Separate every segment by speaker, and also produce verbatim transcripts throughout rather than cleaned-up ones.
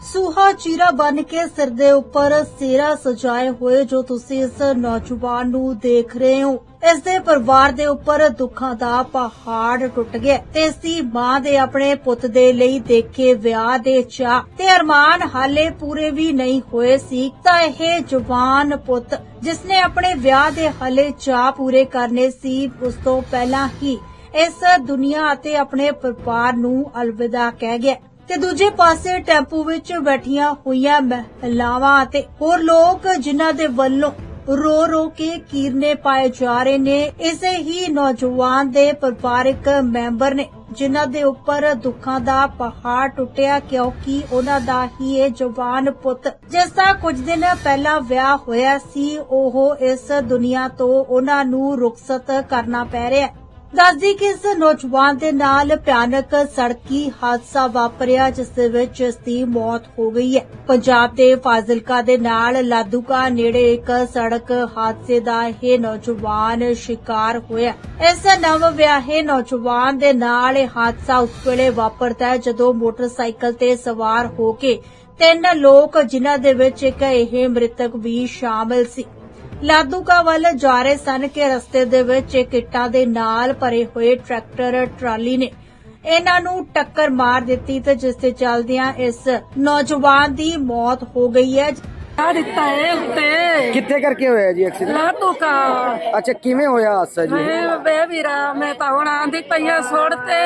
Speaker 1: सूहा चीरा बन के सिर दे उपर सेरा सजाए हुए जो तुसी इस नौजवान नू देख रहे हो, इस दे परिवार दे उपर दुखां दा पहाड़ टुट गया ते इस दी मां दे अपने पुत दे लई देखे विआह दे चाह ते अरमान हाले पूरे भी नहीं होए सी तां इह जवान पुत जिसने अपने विआह दे हाले चाह पूरे करने सी उस तों पहलां ही इस दुनिया अते अपने परिवार नू अलविदा कह गया ते दूजे पासे टैंपू विच बैठियां होईयां महिलावां ते होर लोग जिन्हां दे वल्लों रो रो के कीरने पाए जा रहे ने इसे ही नौजवान दे परिवारिक मैंबर ने जिन्हां दे उपर दुखां दा पहाड़ टुटिया क्योंकि उन्हां दा ही ये जवान पुत जिस दा कुछ दिन पहला विआह होया सी ओह इस दुनिया तो उन्हां नू रुखसत करना पै रिहा। दसदी कि इस नौजवान दे नाल भयानक सड़की हादसा वापरिया जिस दे विच इस दी मौत हो गई है। पंजाब दे फाजिलका दे नाल लादूका नेड़े एक सड़क हादसे दा यह नौजवान शिकार होया। इस नव विआहे नौजवान दे नाल यह हादसा उस वेले वापरदा है जदों मोटरसाइकिल ते सवार हो के तीन लोग जिन्हां दे विच एक यह मृतक भी शामिल सी लादूका वल जा रहे सन के रस्ते दे विच इक इट्टां दे नाल भरे होए ट्रैक्टर ट्राली ने इन्हां नू टक्कर मार दित्ती ते जिस दे चलदियां इस नौजवान दी मौत हो गई है।
Speaker 2: दिता है उत्ते
Speaker 3: कित्थे करके होया जी एक्सीडेंट?
Speaker 2: लादूका।
Speaker 3: अच्छा किवें होया हादसा जी?
Speaker 2: बे वीरा मैं तां हुण आंदी पईया छोड़ते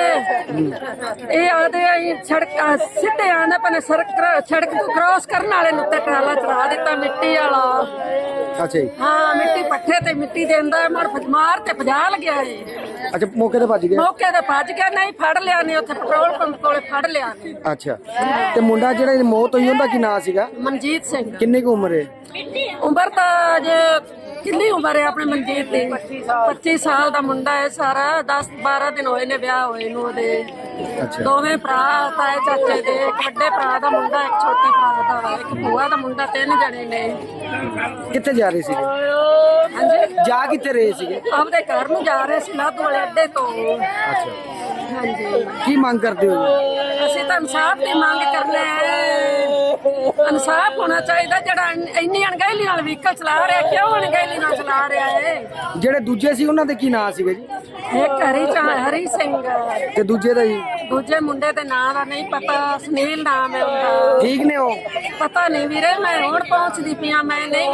Speaker 2: ए आदे आई सड़क सिੱਧੇ आंदे पने सड़क सड़क को क्रॉस करन वाले नु ते ट्राला चढ़ा दिता मिट्टी वाला।
Speaker 3: अच्छा जी।
Speaker 2: हां मिट्टी पट्ठे ते मिट्टी देंदा मर मार ते भजा लग्या जी।
Speaker 3: अच्छा मौके ते भज गया? मौके
Speaker 2: ते भज गया नहीं फड़ लिया ने उत्थे पेट्रोल पंप कोले फड़ लिया ने।
Speaker 3: अच्छा ते मुंडा जेड़ा मौत होई उंदा की नाम सीगा?
Speaker 2: मनजीत सिंह।
Speaker 3: किन्नी की उम्र है?
Speaker 2: उम्र तो जे किन्नी उम्र है अपने मनजीत दी? पच्चीस साल दा मुंडा है सारा। दस बारह दिन होए ने ब्याह होए नु ओदे।
Speaker 3: अच्छा
Speaker 2: दोवें भरा ताए चाचे दे एक वड्डे भरा दा मुंडा एक छोटे भरा दा एक भूआ दा मुंडा तीन जने ने।
Speaker 3: कित्थे जा रहे सीगे?
Speaker 2: हां जी
Speaker 3: जा कित्थे रहे सीगे?
Speaker 2: अपने घर नु जा रहे सी लादू वाले अड्डे तो।
Speaker 3: अच्छा
Speaker 2: हां जी
Speaker 3: की मांग करते हो?
Speaker 2: ਅਸੀਂ ਤਾਂ ਇਨਸਾਫ ਦੀ ਮੰਗ ਕਰਨੇ ਆ। ਇਨਸਾਫ ਹੋਣਾ ਚਾਹੀਦਾ ਜਿਹੜਾ ਇੰਨੀ ਅਣਗਹਿਲੀ ਨਾਲ ਵਹੀਕਲ ਚਲਾ ਰਿਹਾ ਕਿਉਂ ਅਣਗਹਿਲੀ ਨਾਲ ਚਲਾ ਰਿਹਾ ਏ?
Speaker 3: ਜਿਹੜੇ ਦੂਜੇ ਸੀ ਉਹਨਾਂ ਦੇ ਕੀ ਨਾਂ ਸੀਗੇ ਜੀ?
Speaker 2: ਇੱਕ ਹਰੀ ਚਾ ਹਰੀ ਸਿੰਘ
Speaker 3: ਤੇ ਦੂਜੇ ਦਾ ਜੀ?
Speaker 2: ਦੂਜੇ ਮੁੰਡੇ ਦੇ ਨਾਂ ਦਾ ਨਹੀਂ ਪਤਾ ਸੁਨੀਲ ਨਾਮ ਹੈ ਉਹਦਾ।
Speaker 3: ਠੀਕ ਨੇ ਉਹ?
Speaker 2: ਪਤਾ ਨਹੀਂ ਵੀਰੇ ਮੈਂ ਹੁਣ ਪਹੁੰਚਦੀ ਪਿਆ ਮੈਂ ਨਹੀਂ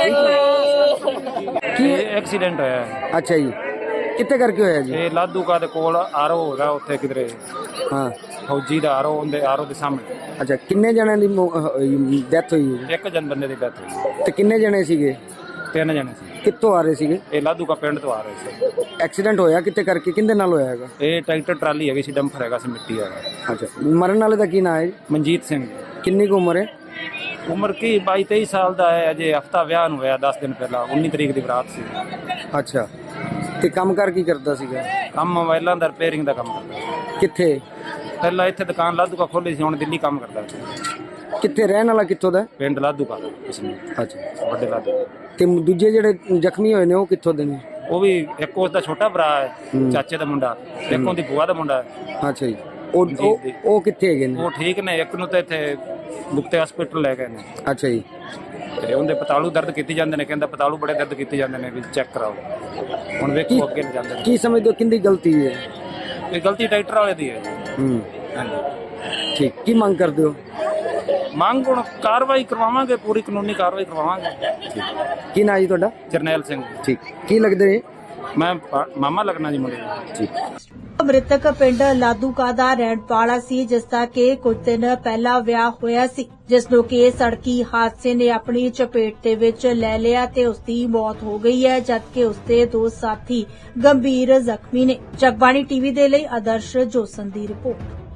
Speaker 2: ਵੇਖਿਆ।
Speaker 3: ਕੀ
Speaker 4: ਐਕਸੀਡੈਂਟ ਹੋਇਆ?
Speaker 3: ਅੱਛਾ ਜੀ ਕਿੱਥੇ ਕਰਕੇ ਹੋਇਆ ਜੀ?
Speaker 4: ਇਹ ਲਾਦੂਕਾ ਦੇ ਕੋਲ ਆਰੋ ਹੈਗਾ ਉੱਥੇ ਕਿਧਰੇ
Speaker 3: ਹਾਂ
Speaker 4: ਫੌਜੀ ਦਾ ਆਰੋ ਉਹਦੇ ਆਰੋ ਦੇ ਸਾਹਮਣੇ।
Speaker 3: ਅੱਛਾ ਕਿੰਨੇ ਜਣਿਆਂ ਦੀ ਡੈਥ ਹੋਈ ਹੈ?
Speaker 4: ਇੱਕ ਜਨ ਬੰਦੇ ਦੀ ਡੈਥ ਹੋਈ।
Speaker 3: ਤੇ ਕਿੰਨੇ ਜਣੇ ਸੀਗੇ?
Speaker 4: ਤਿੰਨ ਜਣੇ ਸੀ।
Speaker 3: ਕਿੱਥੋਂ ਆ ਰਹੇ ਸੀਗੇ?
Speaker 4: ਇਹ ਲਾਦੂਕਾ ਪਿੰਡ ਤੋਂ ਆ ਰਹੇ ਸੀ।
Speaker 3: ਐਕਸੀਡੈਂਟ ਹੋਇਆ ਕਿੱਥੇ ਕਰਕੇ ਕਿੰਦੇ ਨਾਲ ਹੋਇਆ ਹੈਗਾ?
Speaker 4: ਇਹ ਟਰੈਕਟਰ ਟਰਾਲੀ ਹੈਗੀ ਸੀ ਡੰਫਰ ਹੈਗਾ ਸੀ ਮਿੱਟੀ ਵਾਲਾ।
Speaker 3: ਅੱਛਾ ਮਰਨ ਵਾਲੇ ਦਾ ਕੀ ਨਾਂ ਹੈ ਜੀ?
Speaker 4: ਮਨਜੀਤ ਸਿੰਘ।
Speaker 3: ਕਿੰਨੀ ਕੁ ਉਮਰ ਹੈ?
Speaker 4: ਉਮਰ ਕੀ ਬਾਈ ਤੇਈ ਸਾਲ ਦਾ ਹੈ। ਅਜੇ ਹਫਤਾ ਵਿਆਹ ਨੂੰ ਹੋਇਆ ਦਸ ਦਿਨ ਪਹਿਲਾਂ ਉੱਨੀ ਤਰੀਕ ਦੀ ਬਰਾਤ ਸੀ।
Speaker 3: ਅੱਛਾ ਤੇ ਕੰਮ ਕਰ ਕੀ ਕਰਦਾ ਸੀਗਾ?
Speaker 4: ਕੰਮ ਮੋਬਾਈਲਾਂ ਦਾ ਰਿਪੇਅਰਿੰਗ ਦਾ ਕੰਮ ਕਰਦਾ।
Speaker 3: ਕਿੱਥੇ?
Speaker 4: ਪਹਿਲਾਂ ਇੱਥੇ ਦੁਕਾਨ ਲਾਦੂਕਾ ਖੋਲੀ ਸੀ ਹੁਣ ਦਿੱਲੀ ਕੰਮ ਕਰਦਾ।
Speaker 3: ਕਿੱਥੇ ਰਹਿਣ ਵਾਲਾ ਕਿੱਥੋਂ ਦਾ?
Speaker 4: ਪਿੰਡ ਲਾਦੂਕਾ ਇਸਨੂੰ।
Speaker 3: ਅੱਛਾ
Speaker 4: ਵੱਡੇ ਲਾਦੂਕਾ।
Speaker 3: ਤੇ ਦੂਜੇ ਜਿਹੜੇ ਜ਼ਖਮੀ ਹੋਏ ਨੇ ਉਹ ਕਿੱਥੋਂ ਦੇ ਨੇ?
Speaker 4: ਉਹ ਵੀ ਇੱਕ ਉਸ ਦਾ ਛੋਟਾ ਭਰਾ ਹੈ ਚਾਚੇ ਦਾ ਮੁੰਡਾ, ਇੱਕ ਉਹਦੀ ਭੂਆ ਦਾ ਮੁੰਡਾ ਹੈ।
Speaker 3: ਅੱਛਾ ਜੀ ਉਹ ਉਹ- ਉਹ ਕਿੱਥੇ ਹੈਗੇ ਨੇ?
Speaker 4: ਉਹ ਠੀਕ ਨੇ। ਇੱਕ ਨੂੰ ਤਾਂ ਇੱਥੇ ਮੁਕਤੇ ਹਸਪੀਟਲ ਲੈ ਗਏ ਨੇ।
Speaker 3: ਅੱਛਾ ਜੀ
Speaker 4: ਤੇ ਉਹਦੇ ਪਤਾਲੂ ਦਰਦ ਕੀਤੀ ਜਾਂਦੇ ਨੇ। ਕਹਿੰਦਾ ਪਤਾਲੂ ਬੜੇ ਦਰਦ ਕੀਤੇ ਜਾਂਦੇ ਨੇ ਵੀ ਚੈੱਕ ਕਰਾਓ। ਹੁਣ ਵੇਖੋ ਅੱਗੇ ਨਹੀਂ ਜਾਂਦੇ।
Speaker 3: ਕੀ ਸਮਝਦੇ ਹੋ ਕਿੰਦੀ ਗਲਤੀ ਹੈ?
Speaker 4: ਇਹ ਗਲਤੀ ਟਰੈਕਟਰ ਵਾਲੇ ਦੀ ਹੈ।
Speaker 3: ਹੂੰ
Speaker 4: ਹਾਂਜੀ
Speaker 3: ਠੀਕ ਕੀ ਮੰਗ ਕਰਦੇ ਹੋ?
Speaker 4: ਮੰਗ ਹੁਣ ਕਾਰਵਾਈ ਕਰਵਾਵਾਂਗੇ, ਪੂਰੀ ਕਾਨੂੰਨੀ ਕਾਰਵਾਈ ਕਰਵਾਵਾਂਗੇ।
Speaker 3: ਕੀ ਨਾਂ ਜੀ ਤੁਹਾਡਾ?
Speaker 4: ਜਰਨੈਲ ਸਿੰਘ।
Speaker 3: ਠੀਕ ਕੀ ਲੱਗਦੇ ਨੇ?
Speaker 4: ਮੈਂ ਮਾਮਾ ਲੱਗਣਾ ਜੀ ਮੁੰਡੇ ਦਾ।
Speaker 3: ਠੀਕ
Speaker 1: ਮ੍ਰਿਤਕ ਪਿੰਡ ਲਾਦੂਕਾ ਦਾ ਰਹਿਣ ਵਾਲਾ ਸੀ ਜਿਸ ਦਾ ਕਿ ਕੁਝ ਦਿਨ ਪਹਿਲਾਂ ਵਿਆਹ ਹੋਇਆ ਸੀ ਜਿਸ ਨੂੰ ਕਿ ਸੜਕੀ ਹਾਦਸੇ ਨੇ ਆਪਣੀ ਚਪੇਟ ਦੇ ਵਿੱਚ ਲੈ ਲਿਆ ਤੇ ਉਸ ਦੀ ਮੌਤ ਹੋ ਗਈ ਹੈ ਜਦਕਿ ਉਸ ਦੇ ਦੋ ਸਾਥੀ ਗੰਭੀਰ ਜ਼ਖਮੀ ਨੇ। ਜਗਬਾਣੀ ਟੀਵੀ ਦੇ ਲਈ ਆਦਰਸ਼ ਜੋਸਨ ਦੀ ਰਿਪੋਰਟ।